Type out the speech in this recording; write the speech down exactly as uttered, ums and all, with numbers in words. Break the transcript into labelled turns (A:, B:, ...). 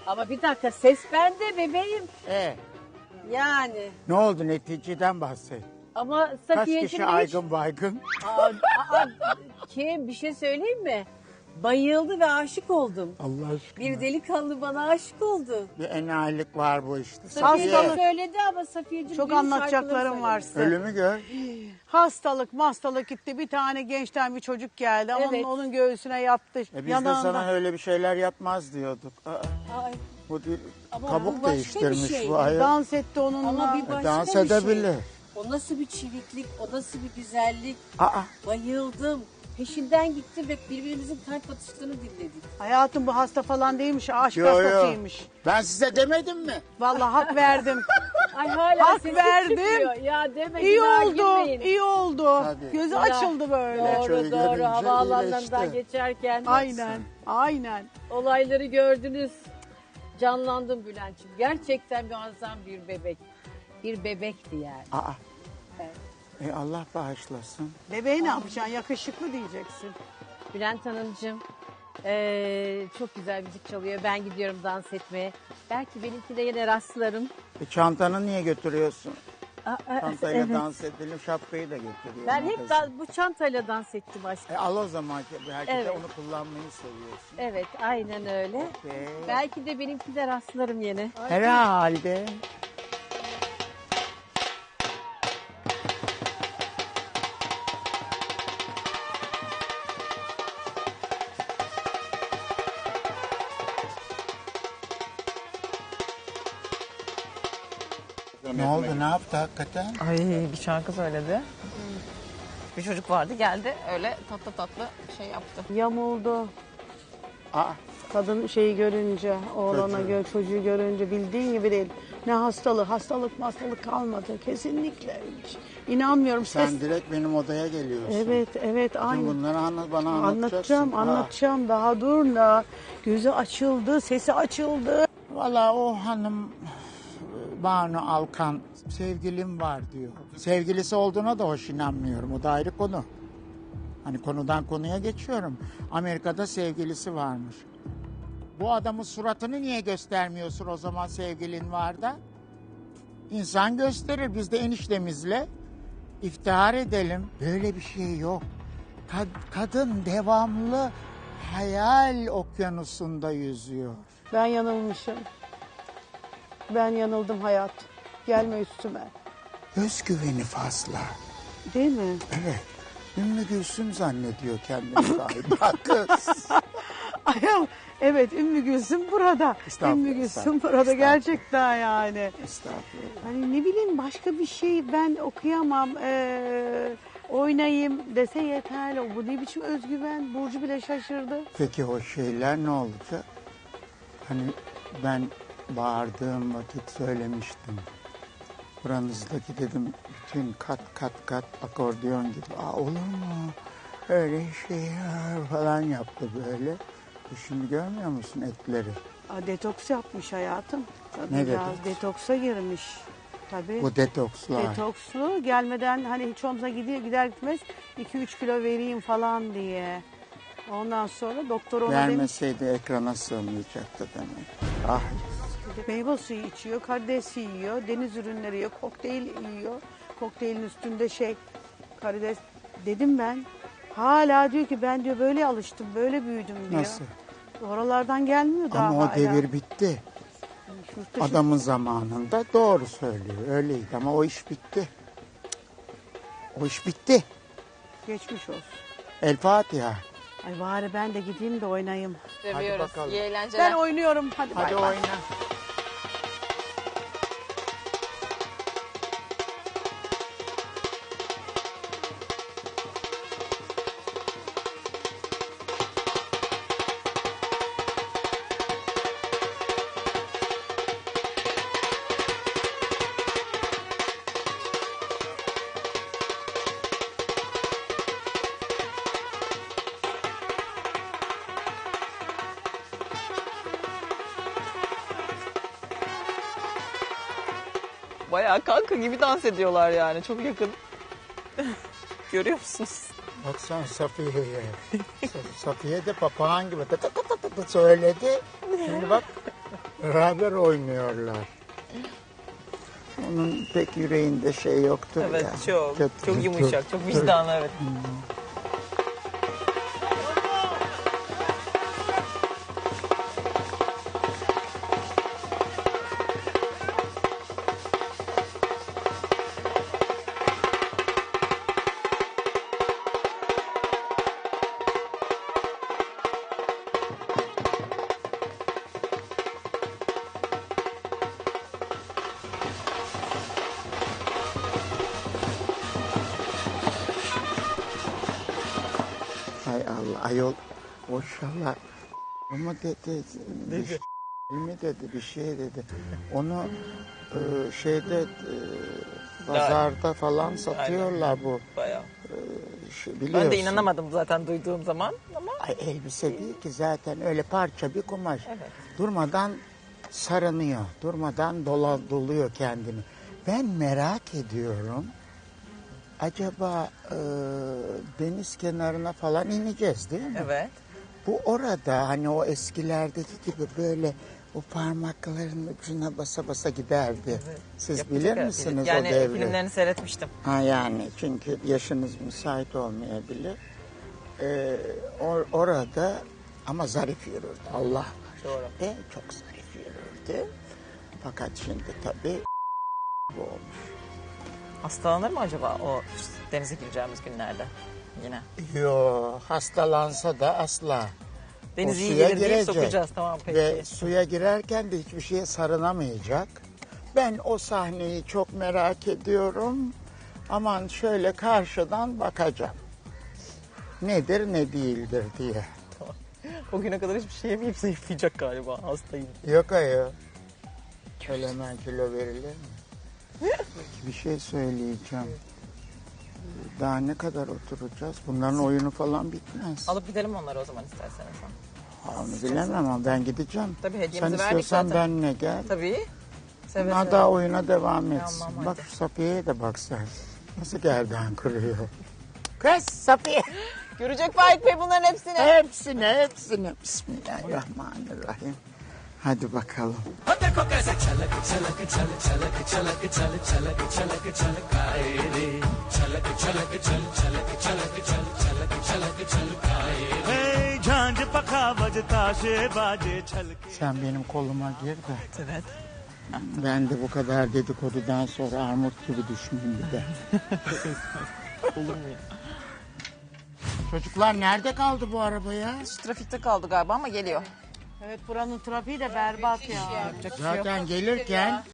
A: Ama bir dakika ses bende bebeğim.
B: E,
A: Yani.
B: ne oldu neticeden bahset.
A: Ama
B: Kaç
A: Safiye'cim
B: kişi
A: hiç...
B: aygın baygın?
A: Aa, aa, kim bir şey söyleyeyim mi? Bayıldı ve aşık oldum.
B: Allah aşkına.
A: Bir delikanlı bana aşık oldu.
B: Bir enayilik var bu işte.
A: Safiye
B: Safiye,
A: söyledi ama Safiye'cim
C: Çok
A: düğün
C: anlatacaklarım
A: şarkıları
C: var
A: söyledi.
C: size.
B: ölümü gör.
C: Hastalık mastalık gitti. Bir tane gençten bir çocuk geldi. Onun,
A: Evet.
C: onun göğsüne yattı.
B: E biz
C: yanağından.
B: de sana öyle bir şeyler yapmaz diyorduk. Aa,
A: Ay,
B: bu bir
A: Ama bu
B: kabuk
A: başka bir
B: değiştirmiş
A: şey.
B: bu ayol.
C: Dans etti onunla.
A: ama bir başka
B: dans
A: bir şey.
B: edebilir.
A: O nasıl bir çiviklik, o nasıl bir güzellik.
B: Aa,
A: Bayıldım. Peşinden gittim ve birbirimizin kalp atışlarını dinledik.
C: Hayatım bu hasta falan değilmiş. Aşk
B: yo yo.
C: hastasıymış.
B: Ben size demedim mi?
C: Vallahi hak verdim.
A: Ay hala
C: Hak
A: sesim
C: verdim.
A: çıkmıyor. Ya deme
C: İyi
A: günah
C: oldu.
A: girmeyin.
C: İyi oldu.
B: Tabii.
C: Gözü
A: Ya,
C: açıldı böyle.
B: Şöyle
A: Doğru doğru
B: görünce
A: havaalanlarından
B: iyileşti.
A: geçerken
C: Aynen. Aynen.
A: olayları gördünüz. Canlandım Bülent'ciğim. Gerçekten muazzam bir bebek. Bir bebekti yani.
B: Aa,
A: Evet.
B: e Allah bağışlasın.
C: Bebeği ne yapacaksın? Yakışıklı diyeceksin.
A: Bülent Hanımcığım eee, çok güzel müzik çalıyor. Ben gidiyorum dans etmeye. Belki benimki de yine rastlarım.
B: E çantanı niye götürüyorsun?
A: Aa, aa,
B: Çantayla
A: evet.
B: dans edelim, şapkayı da götürüyorum.
A: Ben hep
B: kızım.
A: da- bu çantayla dans ettim aşkım.
B: E al o zaman ki belki de
A: Evet.
B: onu kullanmayı seviyorsun.
A: Evet aynen öyle.
B: Okey.
A: Belki de benimki de rastlarım yine.
B: Herhalde. Ne oldu, ne yaptı hakikaten?
D: Ay bir şarkı söyledi. Bir çocuk vardı geldi öyle tatlı tatlı şey yaptı.
C: Yamuldu.
B: Aa,
C: Kadın şeyi görünce, oğlana
B: Çocuğu.
C: gö çocuğu görünce bildiğin gibi değil. Ne hastalığı, hastalık hastalık kalmadı. Kesinlikle hiç. İnanmıyorum. Ses...
B: sen direkt benim odaya geliyorsun.
C: Evet, evet,
B: Bütün
C: aynı.
B: bunları anlat, bana anlatacaksın.
C: Anlatacağım,
B: Ha.
C: anlatacağım. Daha dur da. Gözü açıldı, sesi açıldı.
B: Valla o hanım Banu Alkan sevgilim var diyor. Sevgilisi olduğuna da hoş inanmıyorum. O da ayrı konu. Hani konudan konuya geçiyorum. Amerika'da sevgilisi varmış. Bu adamın suratını niye göstermiyorsun o zaman sevgilin var da? İnsan gösterir. Biz de eniştemizle iftihar edelim. Böyle bir şey yok. Kad- kadın devamlı hayal okyanusunda yüzüyor.
C: Ben yanılmışım. Ben yanıldım hayat. Gelme üstüme.
B: Özgüveni fazla.
C: Değil mi?
B: Evet. Ümmü Gülsüm zannediyor kendini galiba kız.
C: Ayol, evet Ümmü Gülsüm burada.
B: Estağfurullah,
C: Ümmü Gülsüm
B: estağfurullah,
C: burada
B: estağfurullah.
C: gerçekten yani.
B: Estağfurullah.
C: Hani ne bileyim başka bir şey ben okuyamam. Ee, oynayayım dese yeterli. Bu ne biçim özgüven? Burcu bile şaşırdı.
B: Peki o şeyler ne olacak? Hani ben bağırdığım vakit söylemiştim. Buranızdaki dedim bütün kat kat kat akordeon gibi. Aa, olur mu? Öyle şeyler falan yaptı böyle. E şimdi görmüyor musun etleri?
C: Aa, detoks yapmış hayatım.
B: Ne
C: Biraz
B: detoks?
C: detoksa girmiş. Tabii.
B: Bu detokslar.
C: Detokslu gelmeden hani hiç olmazsa gidiyor gider gitmez iki üç kilo vereyim falan diye. Ondan sonra doktor ona demiş
B: Vermeseydi ekrana sığmayacaktı demek. Ah,
C: meyve suyu içiyor, karides yiyor, deniz ürünleri yiyor, kokteyl yiyor. Kokteylin üstünde şey karides dedim ben. Hala diyor ki ben diyor böyle alıştım, böyle büyüdüm diyor.
B: nasıl?
C: Oralardan gelmiyor daha
B: Ama o
C: hala.
B: devir bitti.
C: Yurt dışı-
B: Adamın zamanında doğru söylüyor. Öyleydi ama o iş bitti. O iş bitti.
C: Geçmiş olsun.
B: El Fatiha.
C: Ay bari ben de gideyim de oynayayım.
D: Seviyoruz.
B: bakalım.
D: İyi eğlenceler.
C: Ben oynuyorum. Hadi,
B: Hadi
C: bay bay.
B: oyna.
D: Bayağı kanka gibi dans ediyorlar yani çok yakın. Görüyor musunuz?
B: Baksana Safiye'ye. Sa- Safiye de papağan gibi tı tı tı tı tı söyledi. Şimdi bak Beraber oynuyorlar. Onun pek yüreğinde şey yoktur
D: Evet
B: ya.
D: çok.
B: Kötü-
D: Çok yumuşak, çok vicdanlı evet.
B: Hay Allah ayol maşallah ama dedi, dedi. mi dedi bir şey dedi. Onu e, şeyde e, pazarda falan satıyorlar bu.
D: Bayağı.
B: Şey, biliyorsun.
D: Ben de inanamadım zaten duyduğum zaman ama
B: Ay elbise değil ki zaten öyle parça bir kumaş.
D: Evet.
B: Durmadan sarınıyor, durmadan dola, doluyor kendini. Ben merak ediyorum. Acaba e, deniz kenarına falan ineceğiz değil mi?
D: evet.
B: Bu orada hani o eskilerdeki gibi böyle o parmakların ucuna basa basa giderdi. Siz
D: Yapacak
B: bilir
D: herhalde.
B: misiniz
D: yani
B: o devri?
D: filmlerini seyretmiştim.
B: Ha yani çünkü yaşınız müsait olmayabilir. Ee, or- orada ama zarif yürürdü Allah var.
D: Doğru.
B: E, çok zarif yürürdü. Fakat şimdi tabii bu olmuş.
D: Hastalanır mı acaba o denize gireceğimiz günlerde yine?
B: Yo hastalansa da asla.
D: Deniz
B: O
D: iyi
B: suya
D: gelir deyip
B: girecek.
D: sokacağız tamam peki.
B: Ve suya girerken de hiçbir şeye sarınamayacak. Ben o sahneyi çok merak ediyorum. Aman şöyle karşıdan bakacağım. Nedir ne değildir diye.
D: O güne kadar hiçbir şey yemeyip zayıflayacak galiba hastayım.
B: Yok ayol. Öyle hemen kilo verilir mi? Bir şey söyleyeceğim. Daha ne kadar oturacağız? Bunların oyunu falan bitmez.
D: Alıp gidelim onları o zaman isterseniz.
B: Onu bilemem ama ben gideceğim.
D: Tabii hediyemizi
B: Sen
D: verdik
B: istiyorsan
D: zaten.
B: benimle gel.
D: Tabii. Seve
B: Bunlar
D: seve.
B: daha oyuna devam etsin.
D: Tamam,
B: Bak
D: hadi.
B: şu Safiye'ye de bak sen. Nasıl gerdan kırıyor. Kız Safiye.
D: Görecek Faik Bey bunların hepsini.
B: Hepsine hepsine. Bismillahirrahmanirrahim. Hadi bakalım.
E: Hey, झांझ पखा बजता से बाजे छलक
B: Sen benim koluma gir de.
D: Evet.
B: Ben de bu kadar dedikodudan sonra armut gibi düşmeyeyim bir de.
D: Olur mu ya?
B: Çocuklar nerede kaldı bu araba ya?
D: Trafikte kaldı galiba ama geliyor.
C: Evet buranın trafiği de berbat ya.
D: Yapacak bir şey yok.
B: Zaten gelirken